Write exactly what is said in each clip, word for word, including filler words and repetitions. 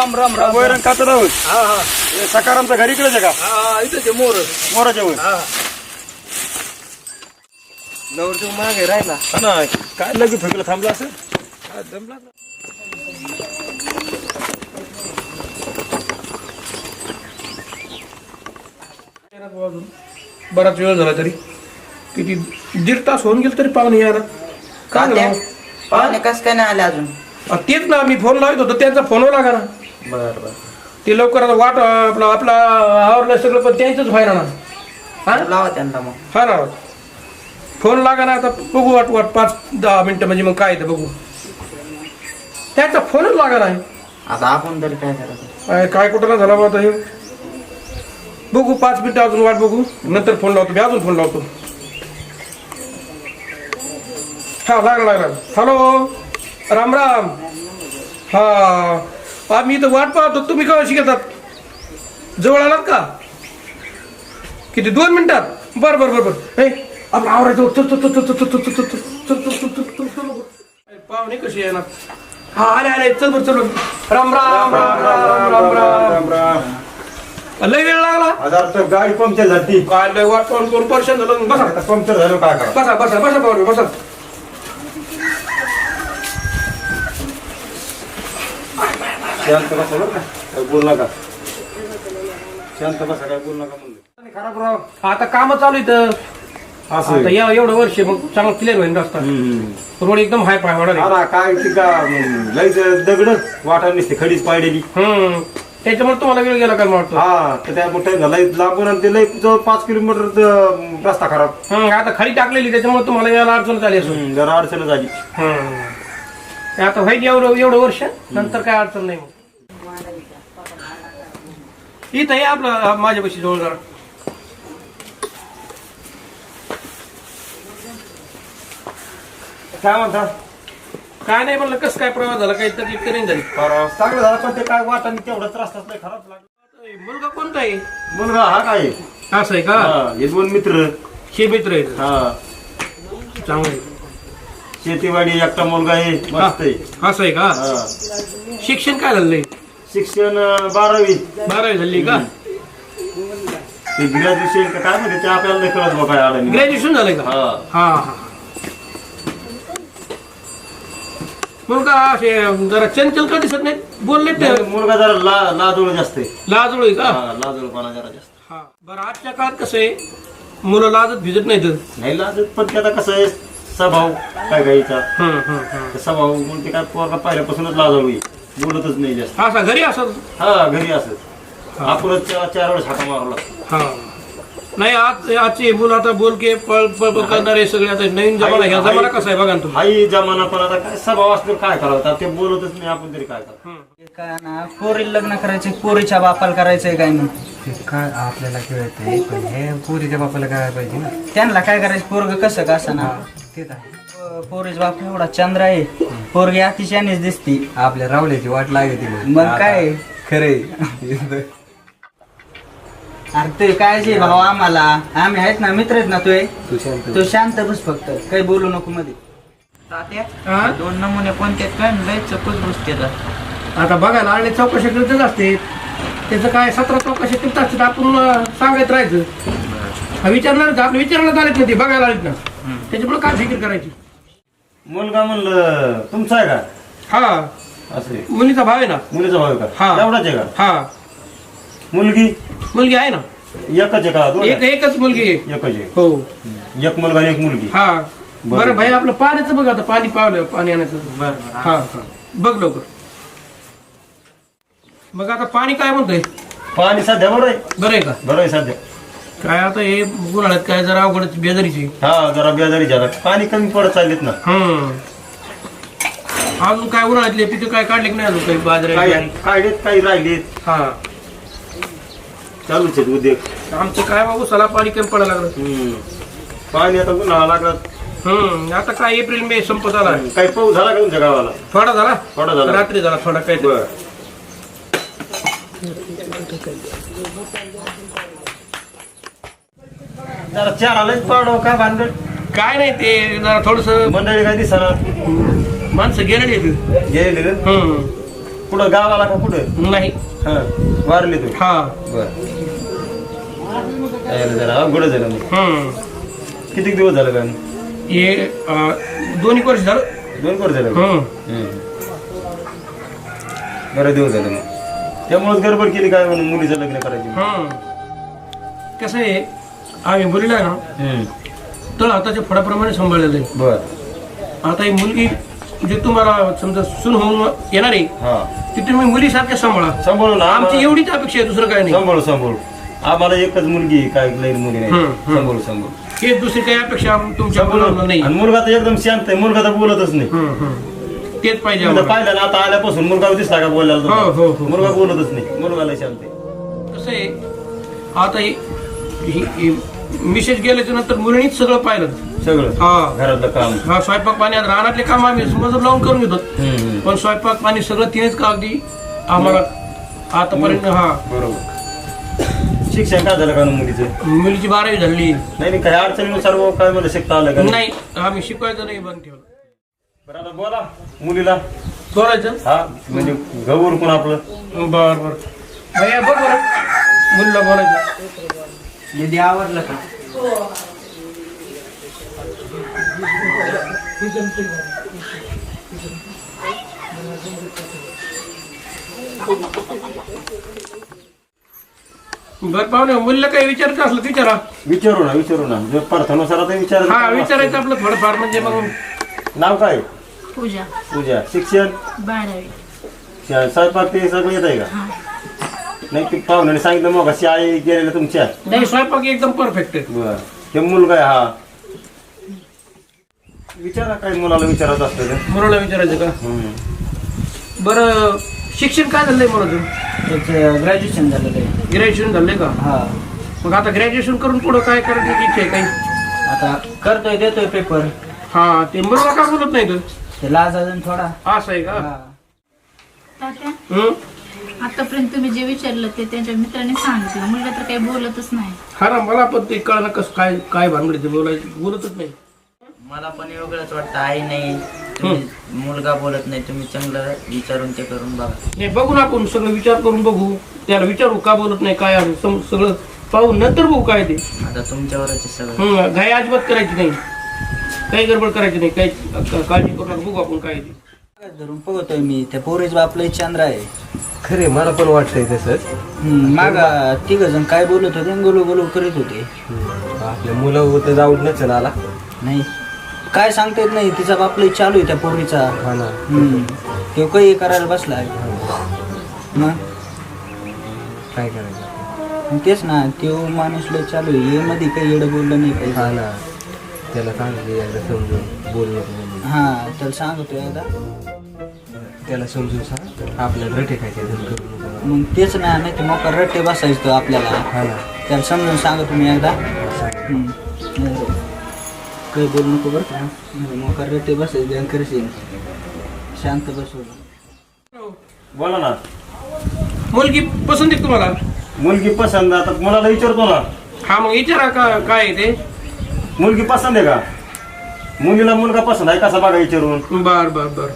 राम राम राम वैरण खात आहोत. हा हा सकारामच्या घरी इकडेच आहे का? हा इथं ते मोर मोराच्या वर. हा नवरदेव मागे राहिला हा ना, काय लगेच फेकलं थांबलं असं. हा, जमला ना. बराच वेळ झाला तरी किती दीड तास होऊन गेल तरी पाहुणे यार काय तात्या, झालं? पाहुणे कस काय नाही आले अजून? आ, तेच ना मी फोन लावत होतो त्यांचा फोन लागा ना. बर बर ते लवकर आता वाट आपला आपला आवरलं सगळं पण त्यांचंच व्हायला ना. हा लावा त्यांना मग. हा ना फोन लागा ना. आता बघू वाट वाट पाच दहा मिनिटं म्हणजे मग काय येतं बघू. त्यांचा फोनच लागा नाही. आता आपण तरी काय करायचं? काय काय कुठं ना झाला बा आता हे. बघू पाच मिनिटं अजून वाट बघू नंतर फोन लावतो मी अजून फोन लावतो. हा लागला लागला. हॅलो राम राम. हा आम्ही इथं वाट पाहतो. तुम्ही केव्हा शिकतात? जवळ आलात का? किती दोन मिनिटात? बरं बरं बरं बरं. हे आपलं आवरायचं. चल चल चल चल चल चल चल चल चल चल चल चल चल. पाहुणे कशी येणार? हा आले आले. चल बरं चल. राम राम राम राम राम राम राम. लय वेळ लागला. हजार तर गाडी पंक्चर झाली. काय लय वाट पाहून कोण परेशान झालं. बसा पंक्चर झालं काय करा. बसा बसा बसा पाहुणे बसा. शांत बसा बरं का, काय बोल नका. शांत बसा, काय बोल नका म्हणलं. खराब राव. आता काम चालू इथं. असं आता या एवढं वर्ष मग चांगलं क्लिअर होईल रस्ता. रोड एकदम हाय पाय वाढा. हा ना, काय ती का लईच दगड वाटा नसते खडीच पाडलेली. हम्म त्याच्यामुळे तुम्हाला वेळ गेला काय वाटतो. हा तर त्या मोठ्या झाला लांबून आणि ते लई जवळ पाच किलोमीटर रस्ता खराब. हम्म आता खाली टाकलेली त्याच्यामुळे तुम्हाला यायला अडचण झाली असून. हम्म, जरा अडचण झाली. हम्म आता व्हाईट एवढं एवढं वर्ष नंतर काय अडचण नाही. मग इथं आहे आपलं माझ्यापाशी जवळ जरा. काय म्हणता? काय नाही म्हणलं कसं काय प्रवास झाला काही तकलीफ करीन झाली. चांगलं झालं पण ते काय वाटा तेवढाच रस्ताच नाही खराब लागला. मुलगा कोणता आहे? मुलगा हा काय असं आहे का? हा, हे दोन मित्र. हे मित्र आहे हा चांगलं आहे. शेतीवाडी एकटा मुलगा आहे मस्त आहे. असं आहे का? हा. शिक्षण काय झालंय? शिक्षण अं, बारावी. बारावी झाली का? ते ग्रॅज्युएशन का काय म्हणते ते आपल्याला नाही कळत बघा काय आलं. ग्रॅज्युएशन झालंय का? हा हा हा मुलगा असे जरा चंचल का दिसत नाही? बोलले ते नाही, मुलगा जरा ला लाजोळ जास्त आहे. लाजळू आहे का? हा, लाजोळपणा जरा जास्त. हा बरं आजच्या काळात कसं आहे मुलं लाजत भिजत नाही तर. नाही लाजत पण ते आता कसं आहे स्वभाव काय गाईचा हं, हं, हं. ते स्वभाव म्हणून ते काय पोरगा पहिल्यापासूनच लाजळू आहे. बोलतच नाही जास्त. असा घरी असत. हा घरी असत आपणच चार चार वेळेस हाका मारू लागतो. हा नाही आज आजची मुलं आता बोल के पळ पळ करणारे सगळे आता नवीन जमाना. ह्या जमाना कसा आहे बघा ना तुम्ही. हाही जमाना पण आता काय स्वभाव असतो काय करावं ते बोलतच नाही आपण तरी काय करावं. हं. काय ना पोरी लग्न करायचे पोरीच्या बापाला करायचंय काय मग? काय आपल्याला कळतंय पण हे पोरीच्या बापाला काय पाहिजे ना. त्यांना काय करायचं? पोरग कसं का असं ना. तेच आहे. पोरीच बाप एवढा चंद्र आहे. पोरगी अतिशयानेच दिसती. आपल्या रावल्याची वाट लागते मग काय खरे. अरे ते काय भाऊ आम्हाला आम्ही आहेत ना मित्र आहेत ना तुझे. तू शांत तू शांत बस फक्त काही बोलू नको मध्ये. तात्या हा? दोन नमुने कोणते काय लय चकूच बसते. आता बघा ना आणि चौकशी करतच असते. त्याचं काय सतरा चौकशी करत असतात. आपण अं, सांगत राहायचं. विचारणार आपलं विचारायला आलेत ना ते बघायला आलेत ना. त्याच्यामुळे काय फिकीर करायची. मुलगा म्हणलं तुमचा आहे का? हा असे मुलीचा भाव आहे ना. मुलीचा भाऊ आहे हा. का? एवढाच आहे का? हा मुलगी मुलगी आहे ना. एकच आहे का? दोन एक आहे? एकच मुलगी आहे. एकच आहे. हो एक मुलगा आणि एक मुलगी. हा बरं. बरं भाई आपलं पाण्याचं बघ आता. पाणी पावलं पाणी आणायचं. हा हा बघ लवकर. मग आता पाणी काय म्हणतंय? पाणी सध्या बरं आहे. बरं आहे का? बरं आहे सध्या. काय आता हे उन्हाळ्यात काय जरा अवघडच बेजारीची. हा जरा बेजारी झाला. पाणी कमी पडत चाललेत ना. हम्म अजून काय उन्हाळ्यातले पिकं काय काढले की नाही अजून काही बाजरे काही काढलेत काही राहिलेत. हा चालूच आहेत उद्योग. आमचं काय बाबू सला पाणी कमी पडायला लागलं. हम्म. पाणी आता उन्हाळा लागला. हम्म आता काय एप्रिल मे संपत आला. काही पाऊस झाला का तुमच्या गावाला? थोडा झाला. थोडा झाला. रात्री झाला थोडा काय. बरं. जरा चार आलं पाडव काय भानगड? काय नाही ते जरा थोडस मंडळी काय दिसणार माणसं गेलेली आहेत. गेलेले हम्म कुठं गावाला का कुठं? नाही. हा वारली तू? हा. बर जरा अवघड झालं मग. हम्म. किती दिवस झालं काय? हे अं, दोन एक वर्ष झालं. दोन वर्ष झालं. हम्म. बरं दिवस झालं मग. त्यामुळेच गडबड केली काय म्हणून मुलीचं लग्न करायची. हम्म. कसं आहे आम्ही मुलीला ना हम्म. तळ हाताच्या फळाप्रमाणे सांभाळलेलं आहे. बर. आता ही मुलगी जे तुम्हाला समजा सून होऊन येणार आहे हा ती तुम्ही मुलीसारख्या सांभाळा. सांभाळू ना. आमची एवढीच अपेक्षा आहे, दुसरं काय नाही. सांभाळू सांभाळू. आम्हाला एकच मुलगी आहे, काय लई मुली नाही. हम्म, हम्म. सांभाळू सांभाळू. हे दुसरी काही अपेक्षा तुमच्या मुलांना नाही. आणि मुलगा तर एकदम शांत आहे. मुलगा तर बोलतच नाही. हम्म, हम्म. तेच पाहिजे आता आम्हाला. पाहिलं ना आता आल्यापासून मुलगा दिसला का बोलायला हो, हो, तुम्हाला? हो. मुलगा बोलतच नाही. मुलगा लय शांत आहे. कसं आहे आता ही- ही- ही मिसेस गेल्याच्या नंतर मुलीनीच सगळं पाहिलं. सगळं हा. घरातलं काम. हा स्वयंपाक पाणी आता रानातले काम आम्ही मजूर लावून करून घेतो. हम्म, हम्म. पण स्वयंपाक पाणी सगळं तिनेच का अगदी आम्हाला आतापर्यंत. हा. बरोबर. शिक्षण काय झालं का ना मुलीचं? मुलीची बारावी झाली. नाही नाही काही अडचणीनुसार व काय मला शिकता आलं का नाही आम्ही शिकवायचं नाही बंद ठेवलं. बरं आता बोला मुलीला. सोडायचं. हा म्हणजे गौर कोण आपलं. बर बर भैया बघ बरं मुलीला बोलायचं. दीदी आवडलं का? बर पाहुणे मुलीला काही विचारायचं असलं तर विचारा. विचारू ना विचारू ना जर पार्थानुसार आता विचार. हा विचारायचं आपलं थोडंफार म्हणजे मग. नाव काय? पूजा पूजा. शिक्षण? बारावी. श- स्वयंपाक ते सगळं येत आहे का? हा. नाही ते पाहुण्याने सांगितलं मग शाळेत गेलेलं तुमच्या. नाही स्वयंपाक एकदम परफेक्ट आहे. बर हे मुलगा आहे हा. विचारा काय मुलाला विचारत असतं ते. मुलाला विचारायचं का? हम्म. बरं शिक्षण काय झालंय मुलाचं? त्याचं ग्रॅज्युएशन झालेलं आहे. ग्रॅज्युएशन झालंय का? हा. मग आता ग्रॅज्युएशन करून पुढं काय करायची इच्छा आहे काही? आता करतोय देतोय पेपर. हा ते मुलगा का बोलत नाही तर? ते लाज अजून थोडा. असं आहे का? हा. तात्या हं? आतापर्यंत तुम्ही जे विचारलं ते त्यांच्या मित्राने सांगितलं. मुलगा तर काही बोलतच नाही. हा ना मला पण ते कळलं कसं काय काय भानगड ते बोलायचं बोलतच नाही. मला पण वेगळंच वाटतं. आई नाही तुम्ही मुलगा बोलत नाही. तुम्ही चांगलं विचारून ते करून बघा. नाही बघू ना आपण सगळं विचार करून बघू. त्याला विचारू का बोलत नाही काय आहे सम- सगळं पाहू नंतर बघू काय ते. आता तुमच्यावरच आहे सगळं. हं, घाई अजिबात करायची नाही. काही गडबड करायची नाही. काही क- काळजी करू नका. बघू आपण काय ते. धरून बघतोय मी त्या पोरीच बापलं चंद्र आहे. खरे मला पण वाटतंय तसंच. मागा तिघ जण काय बोलत होते गोलू गोलू करीत होते. आपल्या मुलं होतं जाऊन नसेल आला. नाही काय सांगता येत नाही. तिचा बापलं चालू आहे त्या पोरीचा. हा ना. हम्म. तो काही करायला बसलाय. मग काय करायचं? मग तेच ना तो माणूस लय चालू आहे. हे मध्ये काही एवढं बोललं नाही हा काही. ना. त्याला सांगितलं एकदा समजून बोल नको म्हणून. हा त्याला सांगतो एकदा. त्याला समजून सांग आपल्याला रटे खायचे करू नको म्हणून. मग तेच ना नाही तर मोका रट्टे बसायचं तो आपल्याला. हा ना. त्याला समजून सांगतो मी एकदा. हम्म. नाही, काही बोलू नको बरं का. नाही, मोका रट्टे बसायचं ध्यान करशील. शांत बसवलं. बोला ना. मुलगी पसंत आहे का तुम्हाला? मुलगी पसंत. आता मुलाला विचारतो ना. हा मग विचारा का काय आहे ते. मुलगी पसंत आहे का? मुलीला मुलगा पसंत आहे कसा बघा विचारून. बर बर बर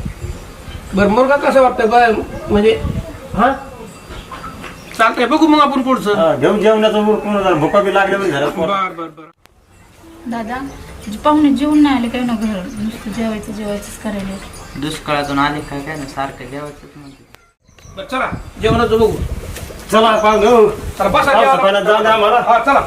बर मुलगा कसं वाटतं बाय म्हणजे. हा चालतंय बघू मग आपण पुढचं. हा, घेऊन जेवण्याचं उरकून जरा भुका बी लागल्या म्हणजे घरात. बर बर बर दादा जे पाहुणे जेवून नाही आले काही ना घर नुसतं जेवायचं जेवायचंच करायला. दुष्काळातून आले काय काय ना सारखं जेवायचं म्हणते. बर चला जेवणाचं बघू. चला पाहू. चला बसा पावसा जेवायला. पाण्यात जाऊ द्या आम्हाला. हा चला.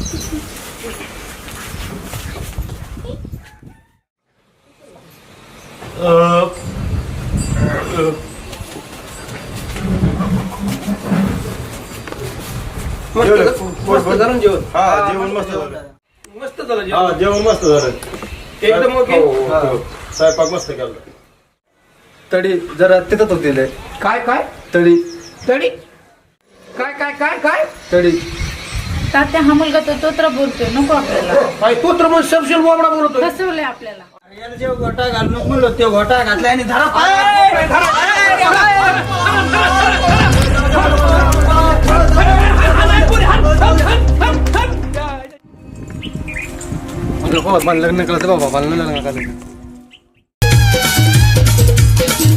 मस्त मस्त झालं ना जेवण. हा जेवण मस्त झालं. मस्त झालं हा जेवण. जेवण मस्त झालं. एकदम ओके. हो, हो, हो. स्वयंपाक मस्त केला. तडी जरा तिथं तो दिले. काय काय तडी तडी काय काय काय काय तडी तात्या हा मुलगा तो तोत्र बोलतोय नको आपल्याला. काय तो तर मग सबशेल बोबडा बोलतोय. फसवलंय आपल्याला. याला जेव घोटा घाल नको म्हणलो ते घोटा घातला आणि धरा लग्न केलं बाबा मला लग्न करायचं.